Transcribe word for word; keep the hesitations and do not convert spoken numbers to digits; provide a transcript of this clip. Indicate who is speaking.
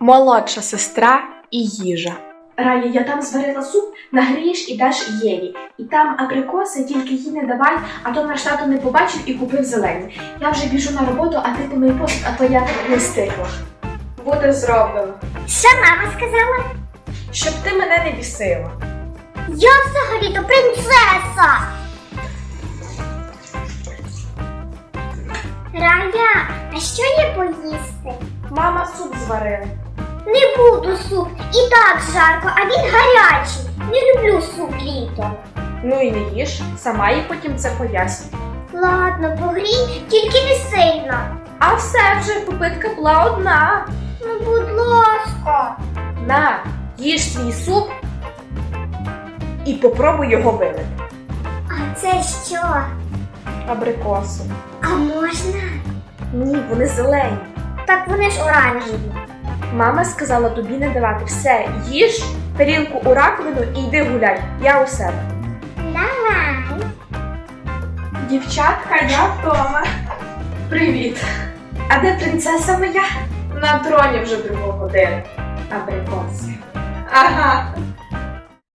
Speaker 1: Молодша сестра і їжа.
Speaker 2: Рая, я там зварила суп, нагрієш і даш Єві. І там абрикоси, тільки їй не давай, а то наш тато не побачив і купив зелені. Я вже біжу на роботу, а ти помий посуд, а то я не встигла. Буде зроблено.
Speaker 3: Що мама сказала?
Speaker 2: Щоб ти мене не бісила.
Speaker 3: Я взагалі-то принцеса! Рая, а що є поїсти?
Speaker 2: Мама суп зварила.
Speaker 3: Не буду суп, і так жарко, а він гарячий. Не люблю суп літом.
Speaker 2: Ну і не їж, сама їй потім це поясню.
Speaker 3: Ладно, погрій, тільки не сильно.
Speaker 2: А все вже, попитка була одна.
Speaker 3: Ну, будь ласка.
Speaker 2: На, їж свій суп і попробуй його вилити.
Speaker 3: А це що?
Speaker 2: Абрикосу.
Speaker 3: А можна?
Speaker 2: Ні, вони зелені.
Speaker 3: Так вони ж оранжеві.
Speaker 2: Мама сказала тобі не давати. Все, їж тарілку у раковину і йди гуляй. Я у себе.
Speaker 3: Давай.
Speaker 2: Дівчатка, я вдома. Привіт. А де принцеса моя? На троні вже другу годину. Абрикоси. Ага.